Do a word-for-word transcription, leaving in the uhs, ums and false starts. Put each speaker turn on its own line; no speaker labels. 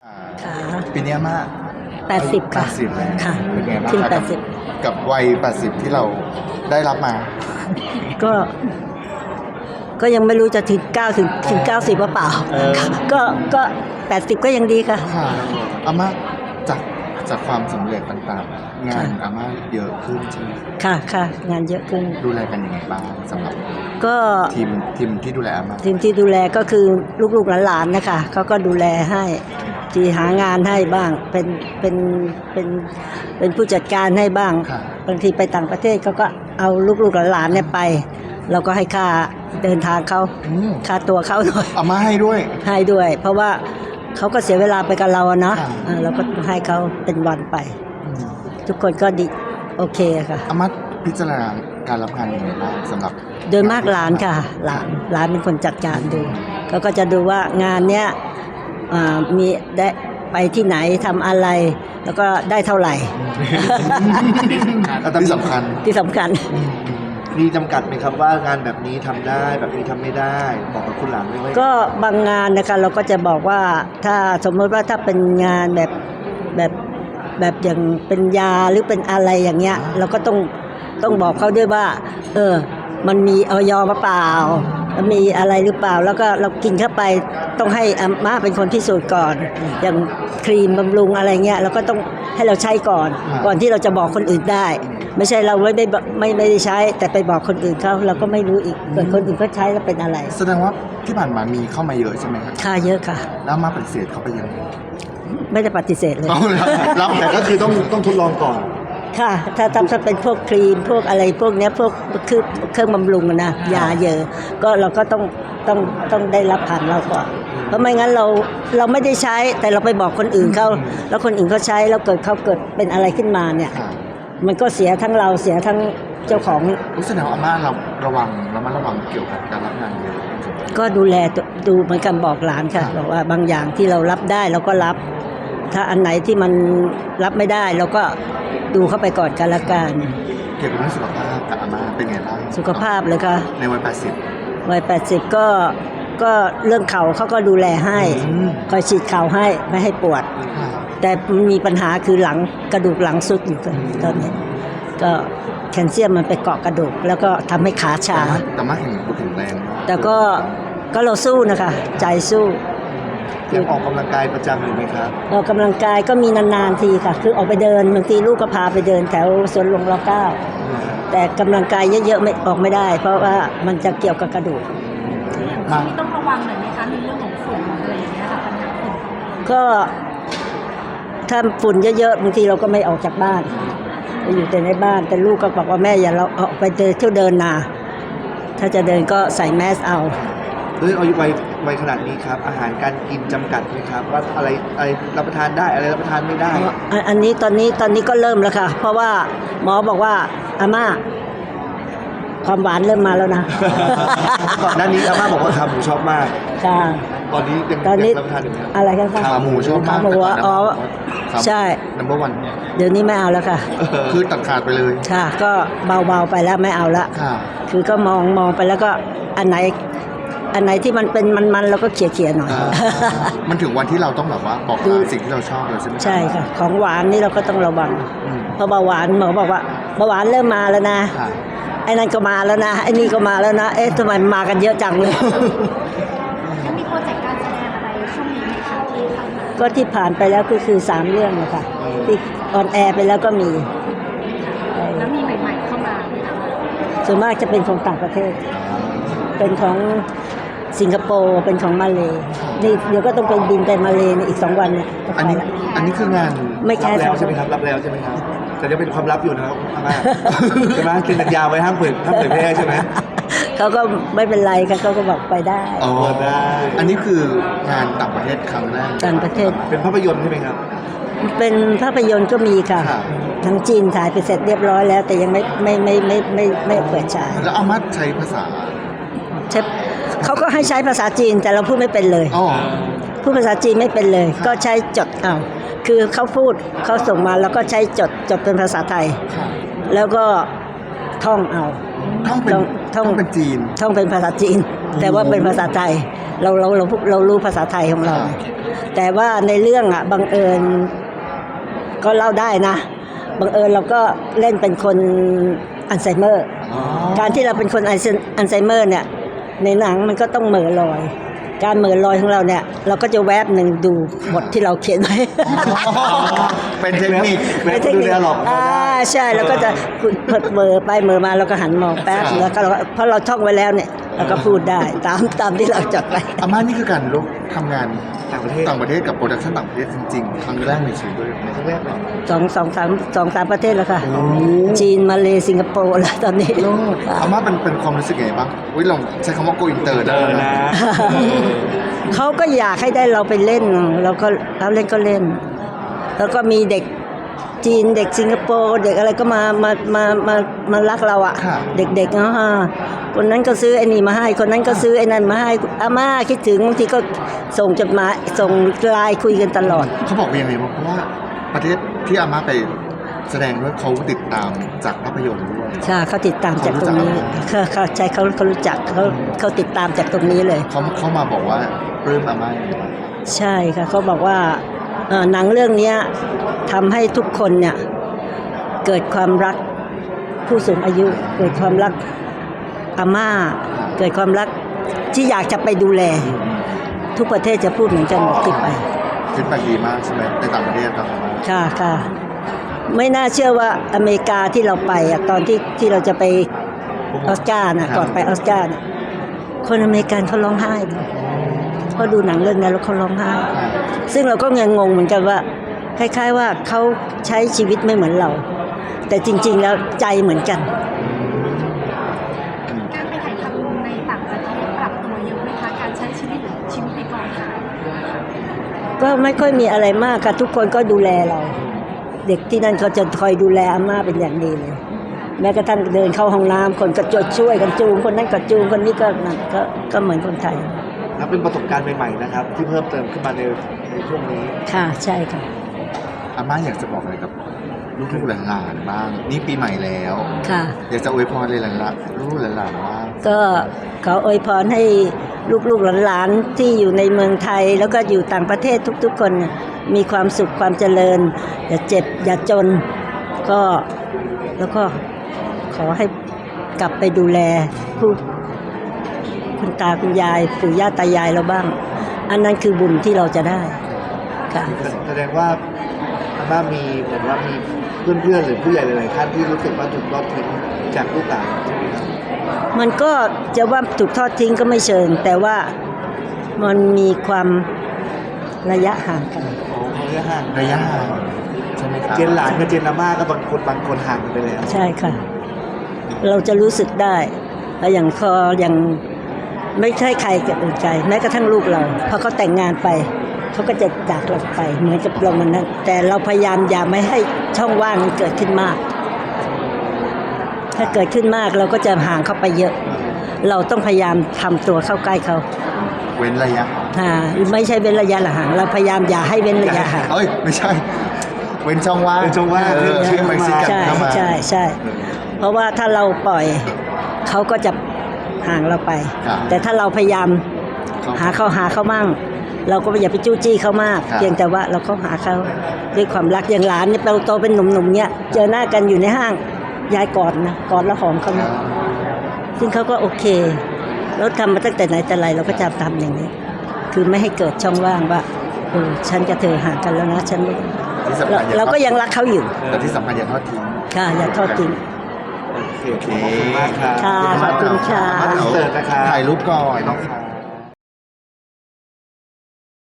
ค่ะ
ปีนี้อาม่า
แปดสิบค่ะ
แปดสิบแล้ว
ค่ะ
เป็นไงบ้าง
ขึ้น
ครับ
แปดสิบ
กับวัยแปดสิบที่เราได้รับมา
ก็ ก็ยังไม่รู้จะถึงเก้าถึงถึงเก้าสิบหรือเปล่า
เออ
ก็ก็แปดสิบก็ยังดีค่ะ
ค่ะอาม่าจากจากความสำเร็จต่างๆ งานอาม่าเยอะขึ้นใช่ไหม
ค่ะค่ะงานเยอะขึ้น
ดูแลกันยังไงบ้างสำหรับ
ก็
ทีมทีมที่ดูแลอาม่า
ทีมที่ดูแลก็คือลูกๆหลานๆนะคะเขาก็ดูแลให้ที่หางานให้บ้าง เป็นเป็นเป็นเป็นผู้จัดการให้บ้าง
ค่ะ
บางทีไปต่างประเทศเขาก็เอาลูกๆหลานๆเนี่ยไป เราก็ให้ค่าเดินทางเขา
อืม
ค่าตัวเขาหน่อย
อาม่าให้ด้วย
ให้ด้วย เพราะว่าเขาก็เสียเวลาไปกับเราอะเนาะ
ค่ะ
อ่าเราก็ให้เขาเป็นวันไป
อืม
ทุกคนก็ดีโอเคค่ะ
อาม่าพิจารณาการรับงานยังไงบ้างสำหรับ
โดยมากหลานค่ะ หลานหลานเป็นคนจัดการดูเขาก็จะดูว่างานเนี้ยอ่ามีได้ไปที่ไหนทำอะไร แล้วก็ได้เท่าไหร่
ที่สำคัญ
ที่สำคัญ
มีจำกัดไหมครับว่างานแบบนี้ทำได้แบบนี้ทำไม่ได้ บอกกับคุณหลานไว้ไหม
ก็บางงานนะคะเราก็จะบอกว่าถ้าสมมติว่าถ้าเป็นงานแบบแบบแบบอย่างเป็นยาหรือเป็นอะไรอย่างเงี้ย เราก็ต้องต้องบอกเขาด้วยว่า เออ มันมีออยมาเปล่ามันมีอะไรหรือเปล่า แล้วก็เรากินเข้าไปต้องให้อาม่าเป็นคนพิสูจน์ก่อน อย่างครีมบำรุงอะไรเงี้ยเราก็ต้องให้เราใช้ก่อน
อ่า
ก่อนที่เราจะบอกคนอื่นได้ ไม่ใช่เราไม่ได้บอกไม่ไม่ได้ใช้ แต่ไปบอกคนอื่นเขาเราก็ไม่รู้อีกเกิดคนอื่นเขาใช้แล้วเป็นอะไร
แสดงว่าที่ผ่านมามีเข้ามาเยอะใช่ไหมครับ
ค่าเยอะค่ะ
แล้วอามาปฏิเสธเขาไปยังไง
ไม่ได้ปฏิเสธเลย
เอาแล้วรับ
แต่ก็คือต้องต้องทดลองก่อน
ค่ะ ถ้าถ้าถ้าเป็นพวกครีมพวกอะไรพวกเนี้ยพวกคือเครื่องบำรุงอะนะยาเยอะ ก็เราก็ต้องต้องต้องได้รับผ่านเราก่อนเพราะไม่งั้นเราเราไม่ได้ใช้แต่เราไปบอกคนอื่นเขาแล้วคนอื่นเขาใช้แล้วเกิดเขาเกิดเป็นอะไรขึ้นมาเนี่ย
ค่ะ
มันก็เสียทั้งเราเสียทั้งเจ้าของ
รู้สึกว่าอาม่าเราระวังระมัดระวังเกี่ยวกับการรับงานเยอะ
ก็ดูแลตัวดูเหมือนกันบอกหลานค่ะบอกว่าบางอย่างที่เรารับได้เราก็รับ ถ้าอันไหนที่มันรับไม่ได้เราก็ดูเข้าไปก่อนกันละกัน
เกี่ยวกับเรื่องสุขภาพกับอาม่าเป็นไงบ้าง
สุขภาพเลยค่ะ
ในวัยแปดสิบ
วัยแปดสิบก็ก็เรื่องเข่าเขาก็ดูแลให้
อืม
คอยฉีดเข่าให้ไม่ให้ปวด
ค่ะ
แต่มีปัญหาคือหลังกระดูกหลังสุดอยู่ตอนนี้ก็แคลเซียมมันไปเกาะกระดูก แล้วก็ทำให้ขาชา
แต่มาแข็งแข็งแรงมาก
แต่ก็ก็เราสู้นะคะ ใจสู้
ยังออกกำลังกายประจำอยู่ไหมครับ
ออกกำลังกายก็มีนานๆทีค่ะ คือออกไปเดินบางทีลูกก็พาไปเดินแถวสวนหลวงรเก้าแต่กำลังกายเยอะๆไม่ออกไม่ได้ เพราะว่ามันจะเกี่ยวกับกระดูก
มา
นี่ต้องระวังหน่อยไหมคะในเรื่องของฝุ่นอะไรอย่างเงี้ยค่ะปัญหาฝุ่น
ก็ถ้าฝุ่นเยอะๆบางทีเราก็ไม่ออกจากบ้านเราอยู่แต่ในบ้านแต่ลูกก็บอกว่าแม่อย่าเราออกไปเดินเที่ยวเดินนาถ้าจะเดินก็ใส่แมสเอา
เฮ้ยอายุวัยวัยขนาดนี้ครับ อาหารการกินจำกัดไหมครับ ว่าอะไรอะไรรับประทานได้อะไรรับประทานไม่ได้
อันอันนี้ตอนนี้ตอนนี้ก็เริ่มแล้วค่ะ เพราะว่าหมอบอกว่าอาม่าความหวานเริ่มมาแล้วนะ
ก่อนหน้านี้อาม่าบอกว่าขาหมูชอบมาก
ค่ะ
ตอนนี้ยัง
ตอนนี้
ยังรับประทานอยู่ไหมครับ
อะไรกันคะ
ขาหมูชอบมาก
ขาหมูอะอ๋อใช่
นัมเบอร์วัน
เดี๋ยวนี้ไม่เอาแล้วค่ะ
คือตัดขาดไปเลย
ค่ะ ก็เบาๆไปแล้วไม่เอาละ
ค่ะ
คือก็มองมองไปแล้วก็อันไหน อันไหนที่มันเป็นมันๆเราก็เขี่ยๆหน่อย
อ่า มันถึงวันที่เราต้องแบบว่าบอก
ดู
ลาสิ่งที่เราชอบเลยใช่ไหม
ใช่ค่ะ ของหวานนี่เราก็ต้องระวัง
อืม
เพราะเบาหวานหมอบอกว่าเบาหวานเริ่มมาแล้วนะ
ค่ะ
ไอ้นั่นก็มาแล้วนะไอ้นี่ก็มาแล้วนะเอ๊ะทำไมมากันเยอะจังเลย
แล้วมีโปรเจกต์การแสดงอะไรช่วงนี้ไหมคะที่ผ่านมา
ก็ที่ผ่านไปแล้วก็คือสามเรื่องนะคะที่ออนแอร์ไปแล้วก็มีเอ่อ
แล้วมีใหม่ๆเข้ามาไหมคะ
ส่วนมากจะเป็นของต่างประเทศ เป็นของสิงคโปร์เป็นของมาเลย์นี่เดี๋ยวก็ต้องไปบินไปมาเลย์ในอีกสองวันเนี่ยก็
อัน
ไป
นี้
ละ
อันนี้คืองาน
ไม่แค่
รับ
ส
แล้
อ
ว
ง
ใช่ไหมครับ รับแล้วใช่ไหมครับ แต่ยังเป็นความลับอยู่นะครับอาม่า ใช่ไหมกินสัญญาไว้ห้ามเปิดห้ามเผยแพร่ใช่ไหม
เขาก็ไม่เป็นไรค่ะเขาก็บอกไปได้
อ๋อ
ได้
อันนี้คืองานต่างประเทศครั้งแรก
ต่างประเทศ
เป็นภาพยนตร์ใช่ไหมครับ
เป็นภาพยนตร์ก็มีค่ะ
ครับ
ทั้งจีนถ่ายไปเสร็จเรียบร้อยแล้ว แต่ยังไม่ไม่ไม่ไม่ไม่ไม่ไม่เปิดฉาย
แล้วอาม่าใช้ภาษา
ใช่เขาก็ให้ใช้ภาษาจีนแต่เราพูดไม่เป็นเลย
อ๋อ
พูดภาษาจีนไม่เป็นเลย ก็ใช้จดเอาคือเขาพูดเขาส่งมาแล้วก็ใช้จดจดเป็นภาษาไทย
ค่ะ
แล้วก็ท่องเอา
ท่องเป็น
ท่อง
ท่องเป็นจีน
ท่องเป็นภาษาจีน แต่ว่าเป็นภาษาไทย เราเราเราเรารู้ภาษาไทยของเรา
ครับ
แต่ว่าในเรื่องอ่ะบังเอิญก็เล่าได้นะบังเอิญเราก็เล่นเป็นคนอัลไซเมอร์
อ๋อ
การที่เราเป็นคนอัลไซอัลไซเมอร์เนี่ยในหนังมันก็ต้องเหม่อลอย การเหม่อลอยของเราเนี่ยเราก็จะแวบหนึ่งดูบทที่เราเขียนไว้
เป็นเทคนิค
เว็บดูแลหรอก
อ่าใช่แล้วก็จะเหม่อไปเหม่อมาเราก็หันมองแป๊บ
ครับ
แล้วก็เราก็เพราะเราท่องไว้แล้วเนี่ยเราก็พูดได้ตามตามที่เราจดไว้
อาม่านี่คือการลุกทำงาน
ต่างประเทศ
ต่างประเทศกับโปรดักชั่นต่างประเทศจริงๆครั้งแรกในชีวิตด้วยไหม
ครั้งแรกเลย
สองสองสามสองสามประเทศแล้วค่ะ
โอ้
จีนมาเลสิงคโปร์แล้วตอนนี้
โลดอาม่าเป็นเป็นความรู้สึกยังไงบ้างวิลองใช้คำว่า go inter ได้
เจอ
ไหม
นะ
เขาก็อยากให้ได้เราไปเล่นเราก็เราเล่นก็เล่น แล้วก็มีเด็กจีนเด็กสิงคโปร์เด็กอะไรก็มามามามามารักเราอะ
ค่ะ
เด็กๆเนาะคนนั้นก็ซื้อไอ้นี่มาให้ คนนั้นก็ซื้อไอ้นั่นมาให้อาม่าคิดถึงบางทีก็ส่งจดหมายส่งไลน์คุยกันตลอด
เขาบอกว่ายังไงบ้างเพราะว่าประเทศที่อาม่าไปแสดงด้วยเขาติดตามจากภาพยนตร์ด้วย
ค่ะเขาติดตามจากตรงนี้เขาเขาใช่เขาเขารู้จักเขาเขาติดตามจากตรงนี้เลย
เขาเขามาบอกว่าปลื้มอาม่าอย่างไรบ้าง
ใช่ค่ะเขาบอกว่าเอ่อหนังเรื่องเนี้ยทำให้ทุกคนเนี่ยเกิดความรักผู้สูงอายุ เกิดความรักอาม่า เกิดความรักที่อยากจะไปดูแล ทุกประเทศจะพูดเหมือนกันหมดที่ไป
ฟีดแบ็กดีมากใช่ไหมในต่างประเทศครับอาม่า
ค่ะค่ะไม่น่าเชื่อว่าอเมริกาที่เราไปอะตอนที่ที่เราจะไปออสการ์นะก่อนไปออสการ์น่ะคนอเมริกันเขาร้องไห้เลยเพราะดูหนังเรื่องนี้แล้วเขาร้องไห้ ซึ่งเราก็ยังงงเหมือนกันว่า คล้ายๆว่าเขาใช้ชีวิตไม่เหมือนเรา แต่จริงๆแล้วใจเหมือนกัน
การไปถ่ายทำในต่างประเทศปรับตัวเยอะไหมคะการใช้ชีวิตชีวิตในกองถ่าย
ก็ไม่ค่อยมีอะไรมากค่ะทุกคนก็ดูแลเรา เด็กที่นั่นเขาจะคอยดูแลอาม่าเป็นอย่างดีเลย แม้กระทั่งเดินเข้าห้องน้ำคนก็จะช่วยกันจูงคนนั้นก็จูงคนนี้ก็นั่นก็ก็เหมือนคนไทย
นับเป็นประสบการณ์ใหม่ๆนะครับ ที่เพิ่มเติมขึ้นมาในในช่วงนี้
ค่ะใช่ค่ะ
อาม่าอยากจะบอกอะไรกับลูกๆหลานๆบ้าง นี่ปีใหม่แล้ว
ค่ะ
อยากจะอวยพรเลยหลานๆลูกๆหลานๆว่า
ก็ขออวยพรให้ลูกๆหลานๆที่อยู่ในเมืองไทย แล้วก็อยู่ต่างประเทศทุกๆคนเนี่ยมีความสุขความเจริญ อย่าเจ็บอย่าจน ก็แล้วก็ขอให้กลับไปดูแลผู้คุณตาคุณยายปู่ย่าตายายเราบ้าง อันนั้นคือบุญที่เราจะได้ค่ะ
แสดงว่าอาม่ามีเหมือนว่ามีเพื่อนๆหรือผู้ใหญ่หลายๆท่านที่รู้สึกว่าถูกทอดทิ้งจากลูกหลานใช่ไหมครับ
มันก็จะว่าถูกทอดทิ้งก็ไม่เชิง แต่ว่ามันมีความระยะห่างกัน
อ๋อเขาเรียกห่าง
ระยะห่างใช่ไหมครับ
เจนหลานกับเจนอาม่าก็บางคนบางคนห่างกันไปแล้ว
ใช่ค่ะ เราจะรู้สึกได้แล้วอย่างพออย่างไม่ใช่ใครจะอื่นใจ แม้กระทั่งลูกเราพอเขาแต่งงานไป เขาก็จะจากเราไปเหมือนกับเรามันนั้น แต่เราพยายามอย่าไม่ให้ช่องว่างมันเกิดขึ้นมาก ถ้าเกิดขึ้นมากเราก็จะห่างเข้าไปเยอะ เราต้องพยายามทำตัวเข้าใกล้เขา
เว้นระยะ
อ่าไม่ใช่เว้นระยะห่างเราพยายามอย่าให้เว้นระยะห่าง
เอ้ยไม่ใช่ เว้นช่องว่าง
เว้นช่องว่าง
เออให้มันซิกัน
ใช่
เข้ามา
ใช่ใช่ เพราะว่าถ้าเราปล่อยเขาก็จะห่างเราไป
ครับ
แต่ถ้าเราพยายาม
ครับ
หาเขาหาเขามั่ง เราก็อย่าไปจู้จี้เขามาก
ครับ
เพียงแต่ว่าเราก็หาเขาด้วยความรักอย่างหลานเนี่ยเราโตเป็นหนุ่มๆเนี่ยเจอหน้ากันอยู่ในห้างยายกอดนะกอดแล้วหอมเขานะซึ่งเขาก็โอเคแล้วทำมาตั้งแต่ไหนแต่ไรเราก็จะทำอย่างนี้ คือไม่ให้เกิดช่องว่างว่าเออฉันกับเธอห่างกันแล้วนะฉันไม่
ที่สำคัญอย่
เราก็ยังรักเขาอยู่
แต่ที่สำคัญอย่าทอดทิ้ง
ค่ะอย่าทอดทิ้ง
โอเคขอบคุณมากครับ
ค่ะขอบคุณค่ะ
มาเสิร์ฟนะครับ
ถ่ายรูปก่อน